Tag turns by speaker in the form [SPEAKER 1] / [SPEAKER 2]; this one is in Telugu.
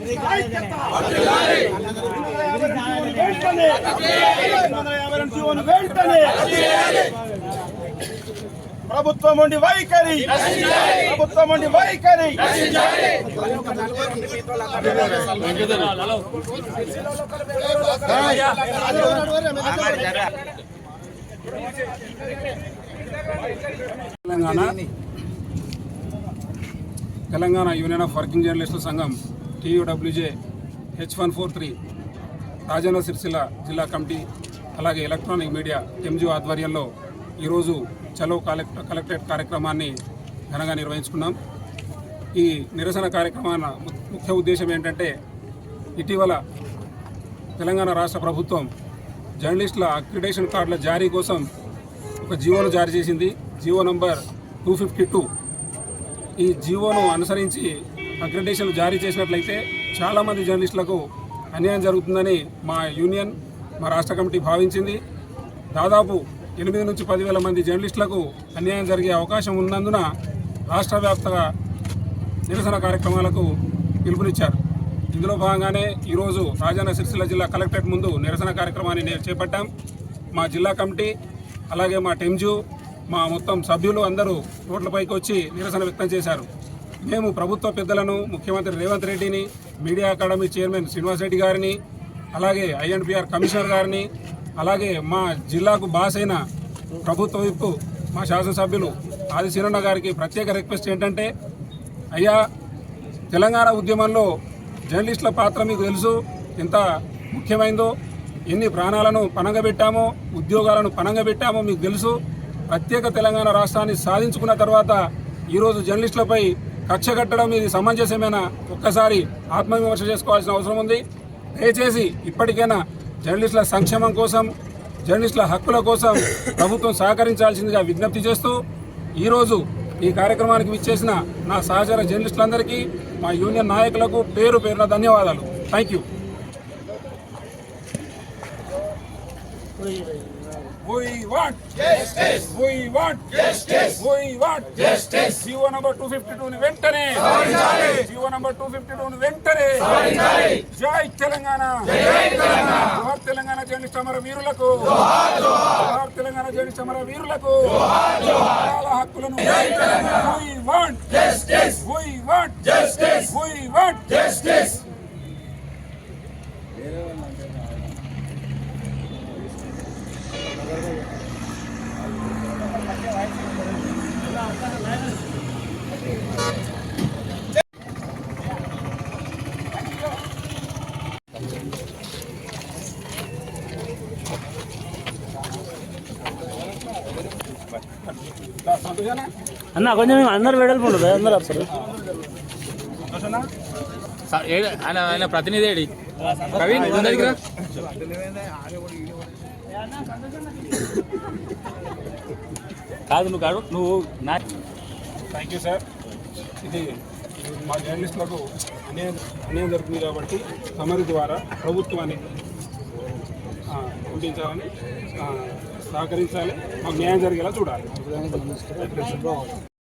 [SPEAKER 1] ప్రభుత్వం ఉండి వైఖరి, ప్రభుత్వం ఉండి వైఖరి.
[SPEAKER 2] తెలంగాణ యూనియన్ ఆఫ్ వర్కింగ్ జర్నలిస్టుల సంఘం TUWJ H143 రాజన్న సిరిసిల్ల జిల్లా కమిటీ అలాగే ఎలక్ట్రానిక్ మీడియా MGO ఆధ్వర్యంలో ఈరోజు చలో కలెక్టరేట్ కార్యక్రమాన్ని ఘనంగా నిర్వహించుకున్నాం. ఈ నిరసన కార్యక్రమాల ముఖ్య ఉద్దేశం ఏంటంటే, ఇటీవల తెలంగాణ రాష్ట్ర ప్రభుత్వం జర్నలిస్టుల అక్రిడేషన్ కార్డుల జారీ కోసం ఒక జీవోను జారీ చేసింది, జీవో నంబర్ 252. ఈ జీవోను అనుసరించి అక్రిడేషన్ జారీ చేసినట్లయితే చాలామంది జర్నలిస్టులకు అన్యాయం జరుగుతుందని మా యూనియన్, మా రాష్ట్ర కమిటీ భావించింది. దాదాపు 8 నుంచి 10,000 మంది జర్నలిస్టులకు అన్యాయం జరిగే అవకాశం ఉన్నందున రాష్ట్ర వ్యాప్తంగా నిరసన కార్యక్రమాలకు పిలుపునిచ్చారు. ఇందులో భాగంగానే ఈరోజు రాజన్న సిరిసిల్ల జిల్లా కలెక్టరేట్ ముందు నిరసన కార్యక్రమాన్ని చేపట్టాం. మా జిల్లా కమిటీ అలాగే మా టెంజు, మా మొత్తం సభ్యులు అందరూ రోడ్లపైకి వచ్చి నిరసన వ్యక్తం చేశారు. మేము ప్రభుత్వ పెద్దలను, ముఖ్యమంత్రి రేవంత్ రెడ్డిని, media academy chairman Srinivas Reddy గారిని, అలాగే INPR కమిషనర్ గారిని, అలాగే మా జిల్లాకు బాస్ అయిన ప్రభుత్వ విప్పు మా శాసనసభ్యులు ఆది శీరన్న గారికి ప్రత్యేక రిక్వెస్ట్ ఏంటంటే, అయ్యా, తెలంగాణ ఉద్యమంలో జర్నలిస్టుల పాత్ర మీకు తెలుసు ఎంత ముఖ్యమైందో, ఎన్ని ప్రాణాలను పణంగా పెట్టామో, ఉద్యోగాలను పణంగా పెట్టామో మీకు తెలుసు. ప్రత్యేక తెలంగాణ రాష్ట్రాన్ని సాధించుకున్న తర్వాత ఈరోజు జర్నలిస్టులపై కక్ష కట్టడం ఇది సమంజసమేనా? ఒక్కసారి ఆత్మవిమర్శ చేసుకోవాల్సిన అవసరం ఉంది. దయచేసి ఇప్పటికైనా జర్నలిస్టుల సంక్షేమం కోసం, జర్నలిస్టుల హక్కుల కోసం ప్రభుత్వం సహకరించాల్సిందిగా విజ్ఞప్తి చేస్తూ, ఈరోజు ఈ కార్యక్రమానికి విచ్చేసిన నా సహచర జర్నలిస్టులందరికీ, మా యూనియన్ నాయకులకు పేరు పేరున ధన్యవాదాలు. Thank you. We want justice. We want justice. We want justice. GO number 252 ని వెంటనే సాధించాలి. జీవో నంబర్ 252 ని వెంటనే సాధించాలి. జై తెలంగాణ. జై తెలంగాణ. జోహార్ తెలంగాణ జర్నలిస్ట్ అమర వీరులకు. జోహార్ జోహార్. జోహార్ తెలంగాణ జర్నలిస్ట్ అమర వీరులకు. జోహార్ జోహార్. వాళ్ళ హక్కులను. జై Telangana. We want justice. We want justice. We want justice.
[SPEAKER 3] అన్న కొంచెం అందరు వెడల్పు ఉండదు, అందరు వస్తారు.
[SPEAKER 4] ఆయన ప్రతినిధి ప్రవీణ్
[SPEAKER 3] కాదు, నువ్వు కాదు, నువ్వు నా.
[SPEAKER 2] Thank you sir. ఇది మా జర్నలిస్టులకు అన్యాయం జరుగుతుంది కాబట్టి తమరి ద్వారా ప్రభుత్వాన్ని పంపించాలని, సహకరించాలి, మాకు న్యాయం జరిగేలా చూడాలి.